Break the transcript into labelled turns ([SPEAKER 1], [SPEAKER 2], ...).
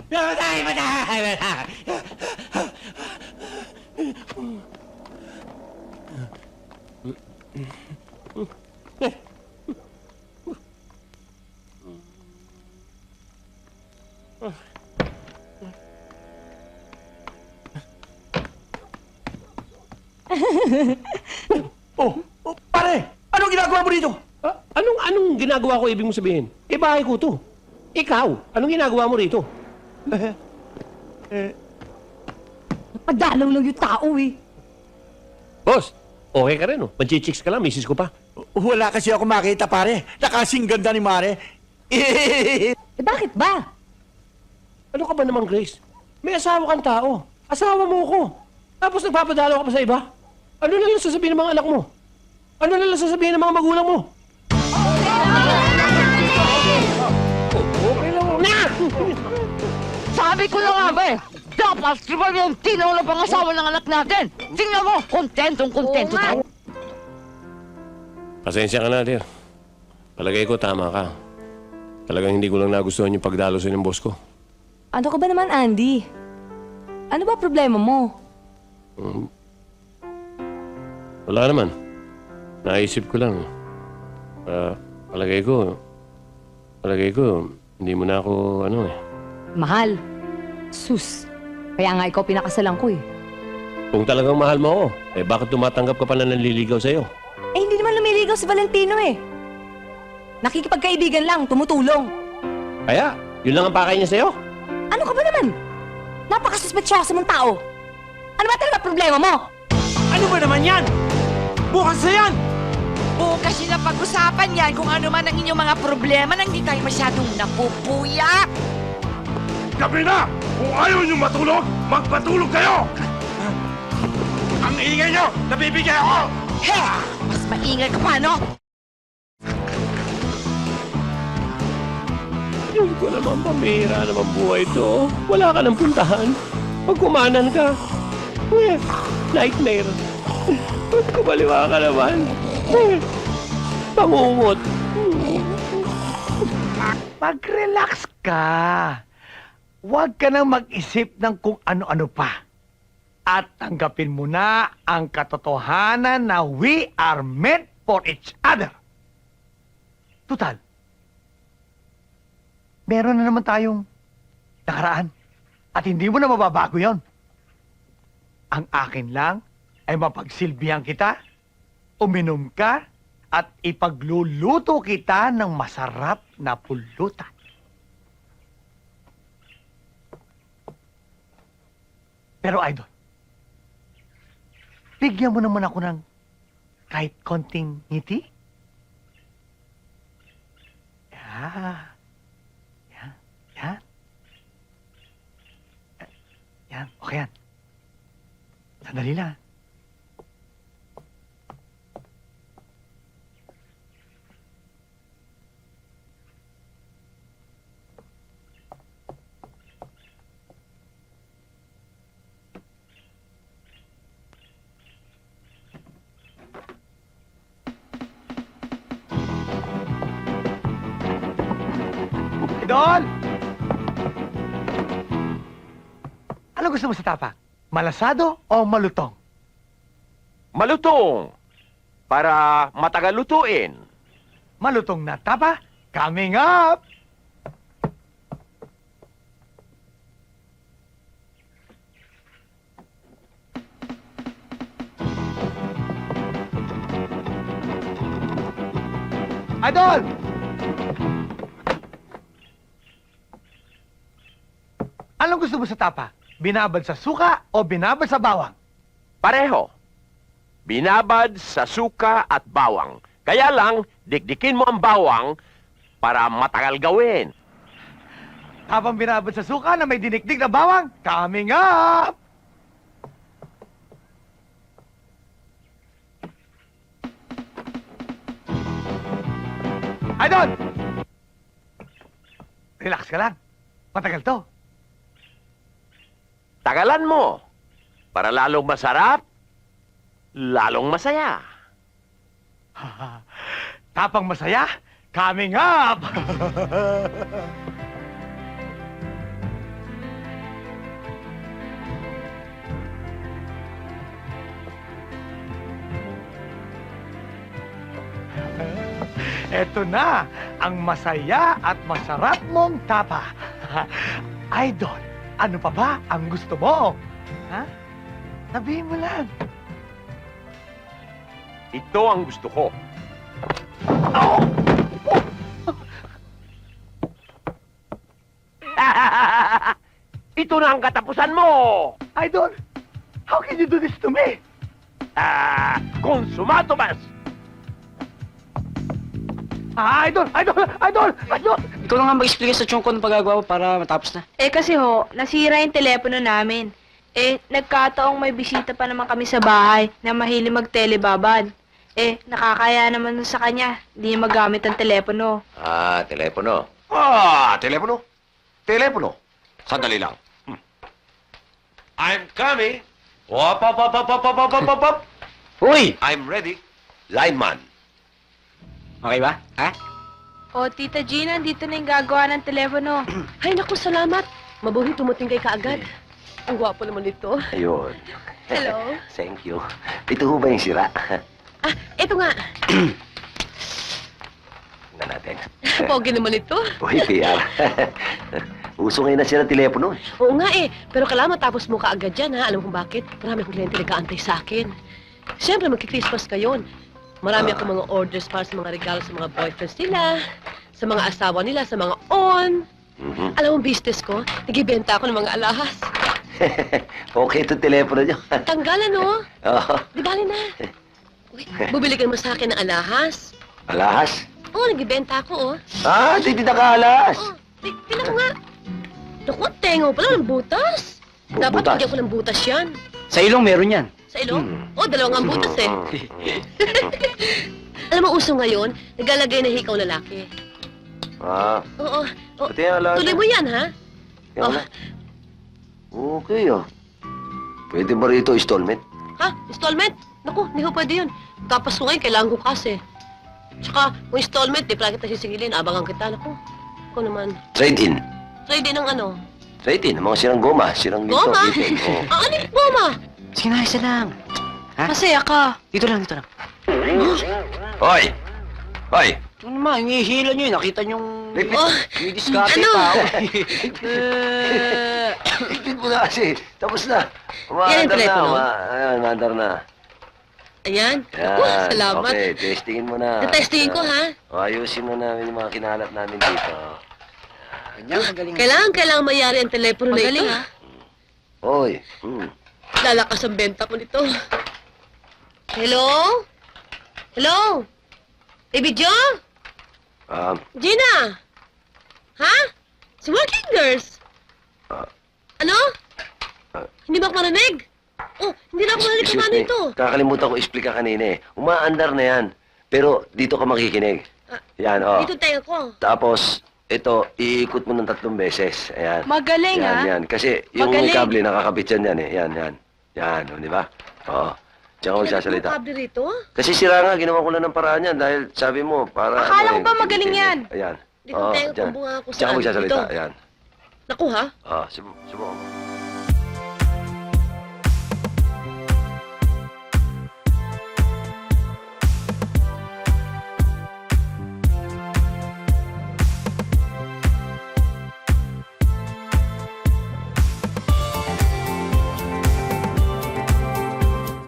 [SPEAKER 1] Patay! Patay!
[SPEAKER 2] Pare! Anong ginagawa mo dito?
[SPEAKER 3] Anong ginagawa ko, ibig mong sabihin? Bahay ko to. Ikaw, anong ginagawa mo rito?
[SPEAKER 4] Napadalaw lang yung tao eh.
[SPEAKER 3] Boss, okay ka rin, oh. Manchichicks ka lang, misis ko pa.
[SPEAKER 2] Wala kasi ako makita, pare. Nakasing ganda ni Mare.
[SPEAKER 4] Eh bakit ba?
[SPEAKER 3] Ano ka ba naman, Grace? May asawa kang tao. Asawa mo ko. Tapos nagpapadalaw ka pa sa iba? Ano na lang sasabihin ng mga anak mo? Ano na lang sasabihin ng mga magulang mo? Okay lang. Na!
[SPEAKER 5] Sabi ko na nga ba eh, dapat si Valentino na pangasawa ng anak natin. Tingnan mo, kontentong-kontento tayo.
[SPEAKER 3] Pasensya ka na, dear. Palagay ko, tama ka. Talagang hindi ko lang nagustuhan yung pagdalo sa ng boss ko.
[SPEAKER 4] Ano ka ba naman, Andy? Ano ba problema mo?
[SPEAKER 3] Wala naman. Naisip ko lang. Palagay ko, hindi mo na ako,
[SPEAKER 4] Mahal. Sus. Kaya nga ikaw pinakasalan ko eh.
[SPEAKER 3] Kung talagang mahal mo ako, bakit tumatanggap ka pa na nanliligaw sa'yo?
[SPEAKER 4] Eh hindi naman lumiligaw si Valentino eh. Nakikipagkaibigan lang, tumutulong.
[SPEAKER 3] Kaya, yun lang ang pakay niya sa'yo?
[SPEAKER 4] Ano ka ba naman? Napakasuspetsyoso mong tao. Ano ba talaga problema mo?
[SPEAKER 2] Ano ba naman yan? Bukas na yan!
[SPEAKER 5] Bukas sila pag-usapan yan kung ano man ang inyong mga problema nang di tayo masyadong napupuya.
[SPEAKER 6] Gabi na! Kung ayaw niyo matulog, magpatulog kayo! Ang ingay niyo! Nabibigay ako!
[SPEAKER 5] He! Mas maingay ka pa, no?
[SPEAKER 3] Diyos ko naman, pamira naman buhay ito. Wala ka ng puntahan. Pag kumanan ka, nightmare. Pag kumaliwa ka naman, pangungot.
[SPEAKER 7] Mag-relax ka. Huwag ka nang mag-isip ng kung ano-ano pa. At tanggapin mo na ang katotohanan na we are meant for each other. Tutal, meron na naman tayong nakaraan. At hindi mo na mababago yon. Ang akin lang ay mapagsilbihan kita, uminom ka, at ipagluluto kita ng masarap na pulutan. Pero Idol, bigyan mo naman ako ng kahit konting ngiti. Yan. Yan. Yan. Yan. Okay yan. Sandali lang. Idol! Ano gusto mo sa tapa? Malasado o malutong?
[SPEAKER 6] Malutong! Para matagal lutuin.
[SPEAKER 7] Malutong na tapa, coming up! Idol! Anong gusto mo sa tapa? Binabad sa suka o binabad sa bawang?
[SPEAKER 6] Pareho. Binabad sa suka at bawang. Kaya lang, dikdikin mo ang bawang para matagal gawin.
[SPEAKER 7] Habang binabad sa suka na may dinikdik na bawang, coming up! Idol! Relax ka lang. Matagal to.
[SPEAKER 6] Tagalan mo. Para lalong masarap, lalong masaya.
[SPEAKER 7] Tapang masaya, coming up! Eto na, ang masaya at masarap mong tapa. Idol, ano pa ba ang gusto mo? Ha? Sabihin mo lang.
[SPEAKER 6] Ito ang gusto ko. Ito na ang katapusan mo!
[SPEAKER 7] Idol, how can you do this to me?
[SPEAKER 6] Konsumato mas!
[SPEAKER 7] Idol!
[SPEAKER 1] Ikaw na nga mag-explain sa chong ko ng pagagawa mo para matapos na.
[SPEAKER 8] Eh kasi ho, nasira yung telepono namin. Eh, nagkataong may bisita pa naman kami sa bahay na mahilig mag-telebabad. Eh, nakakaya naman sa kanya, hindi niya magamit ang telepono.
[SPEAKER 9] Telepono. Telepono? Telepono? Sandali lang. I'm coming. Wop.
[SPEAKER 1] Uy!
[SPEAKER 9] I'm ready. Lineman.
[SPEAKER 1] Okay ba? Ha?
[SPEAKER 8] O, Tita Gina, dito na yung gagawa ng telepono.
[SPEAKER 10] Ay, naku, salamat. Mabuhi tumuting kay kaagad. Ang gwapo naman nito.
[SPEAKER 9] Ayun.
[SPEAKER 10] Hello.
[SPEAKER 9] Thank you. Ito ho ba yung sira?
[SPEAKER 10] Ah, eto nga.
[SPEAKER 9] Tingnan natin.
[SPEAKER 10] Pogi naman ito.
[SPEAKER 9] Uy, PR. Uso ngayon na sila telepono.
[SPEAKER 10] Oo nga eh. Pero kailangan matapos mo kaagad yan, ha? Alam kung bakit? Marami akong kliyente nag-aantay sa akin. Siyempre, magki-Christmas ngayon. Marami akong mga orders para sa mga regalo sa mga boyfriends nila, sa mga asawa nila, sa mga on. Alam mo, business ko, nagibenta ako ng mga alahas.
[SPEAKER 9] Okay ito telepono nyo.
[SPEAKER 10] Tanggalan, no?
[SPEAKER 9] Oo.
[SPEAKER 10] Di bali na. Uy, bubili ka naman sa akin ng alahas.
[SPEAKER 9] Alahas?
[SPEAKER 10] Oo, nagibenta ako, oh.
[SPEAKER 9] Di nakaalas.
[SPEAKER 10] Oh, tingnan ko nga. Naku, tengaw pala ng butas. Dapat
[SPEAKER 9] Butas?
[SPEAKER 10] bigyan ko ng butas yan.
[SPEAKER 1] Sa ilong meron yan.
[SPEAKER 10] Sa ilong? Oh, dalawang ang butas eh. Alam mo, uso ngayon, naglalagay na hikaw lalaki. Oo. Oh,
[SPEAKER 9] Pati yung alahas.
[SPEAKER 10] tuloy mo yan, ha?
[SPEAKER 9] Yan na. Okay, Pwede ba rito installment?
[SPEAKER 10] Ha? Installment? Naku, hindi ko pwede yun. Tapos ko ngayon, kailangan ko kasi. Tsaka, kung installment, di pala kita sisingilin. Abangan kita. Naku, ako naman.
[SPEAKER 9] Trade-in.
[SPEAKER 10] Trade din ng ano?
[SPEAKER 9] Trade-in. Mga sirang goma. Sirang dito.
[SPEAKER 10] Goma?
[SPEAKER 9] Dito. Oo.
[SPEAKER 10] Ano yung goma?
[SPEAKER 1] Sige na, isa lang. Ha?
[SPEAKER 8] Masaya ka.
[SPEAKER 1] Dito lang.
[SPEAKER 9] Hoy! Hoy!
[SPEAKER 1] Ano naman, yung ihila nyo, nakita nyong...
[SPEAKER 10] Oh,
[SPEAKER 1] May diskarte
[SPEAKER 10] ano?
[SPEAKER 1] tao.
[SPEAKER 9] Ipin mo na kasi. Tapos na.
[SPEAKER 10] Yan yung telepono?
[SPEAKER 9] Umaandar na.
[SPEAKER 10] Ayan. Naku,
[SPEAKER 9] Yan.
[SPEAKER 10] salamat.
[SPEAKER 9] Okay, testingin mo na.
[SPEAKER 10] Tetestingin ko, ha?
[SPEAKER 9] Ayusin mo namin yung mga kinalat namin dito.
[SPEAKER 1] Ganyan, magaling.
[SPEAKER 10] Kailangan mayari ang telepono na ito.
[SPEAKER 8] Magaling, ha?
[SPEAKER 9] Hoy.
[SPEAKER 10] Lalakas ang benta mo nito. Hello? Hello? Baby Joe? Gina? Ha? Si Working Girls? Ano? Hindi ba ako marinig? Oh, hindi na ako marinig kung ano ito.
[SPEAKER 9] Kakalimutan ko explica kanina eh. Umaandar na yan. Pero dito ka makikinig. Yan,
[SPEAKER 10] Dito tayo ko.
[SPEAKER 9] Tapos, ito, iikot mo ng 3 beses. Ayan.
[SPEAKER 8] Magaling,
[SPEAKER 9] Yan,
[SPEAKER 8] ha?
[SPEAKER 9] yan. Kasi yung
[SPEAKER 8] Magaling.
[SPEAKER 9] kable nakakabit yan eh. Yan. Yan, di ba? Oo. Diyan ka magsasalita.
[SPEAKER 10] Kable rito?
[SPEAKER 9] Kasi sira nga, ginawa ko lang ng paraan yan dahil sabi mo, para...
[SPEAKER 8] Akala ko ba magaling yan?
[SPEAKER 9] Ayan.
[SPEAKER 10] Dito tayo
[SPEAKER 9] dyan.
[SPEAKER 10] kung bunga ako
[SPEAKER 9] Diyan ka
[SPEAKER 10] saan.
[SPEAKER 9] magsasalita,
[SPEAKER 10] Dito.
[SPEAKER 9] ayan.
[SPEAKER 10] Naku ha?
[SPEAKER 9] Subukan mo.